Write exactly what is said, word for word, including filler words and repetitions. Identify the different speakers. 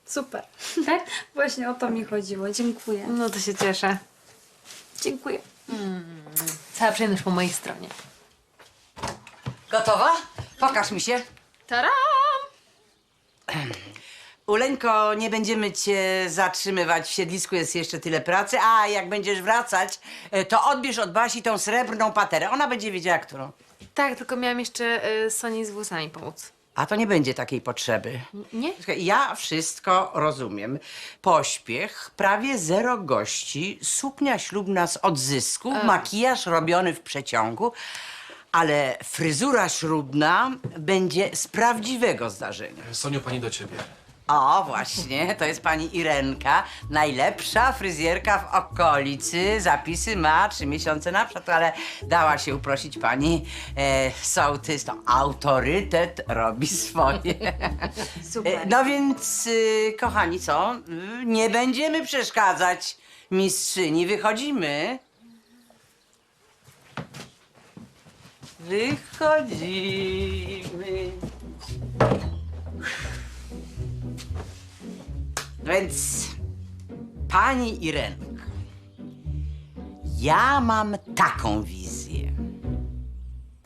Speaker 1: Super.
Speaker 2: Tak?
Speaker 1: Właśnie o to mi chodziło. Dziękuję.
Speaker 2: No to się cieszę.
Speaker 1: Dziękuję.
Speaker 2: Cała przyjemność po mojej stronie.
Speaker 3: Gotowa? Pokaż mi się.
Speaker 2: Taram!
Speaker 3: Uleńko, nie będziemy cię zatrzymywać. W siedlisku jest jeszcze tyle pracy. A jak będziesz wracać, e, to odbierz od Basi tą srebrną paterę. Ona będzie wiedziała, którą.
Speaker 2: Tak, tylko miałam jeszcze y, Soni z włosami pomóc.
Speaker 3: A to nie będzie takiej potrzeby.
Speaker 2: Nie?
Speaker 3: Słuchaj, ja wszystko rozumiem. Pośpiech, prawie zero gości, suknia ślubna z odzysku, makijaż robiony w przeciągu, ale fryzura ślubna będzie z prawdziwego zdarzenia.
Speaker 4: Soniu, pani do ciebie.
Speaker 3: O, właśnie, to jest pani Irenka, najlepsza fryzjerka w okolicy. Zapisy ma trzy miesiące na przód, ale dała się uprosić pani e, sołtys. To autorytet robi swoje.
Speaker 1: Super.
Speaker 3: E, no więc, y, kochani, co? Y, Nie będziemy przeszkadzać mistrzyni. Wychodzimy. Wychodzimy. Więc, pani Irenko, ja mam taką wizję.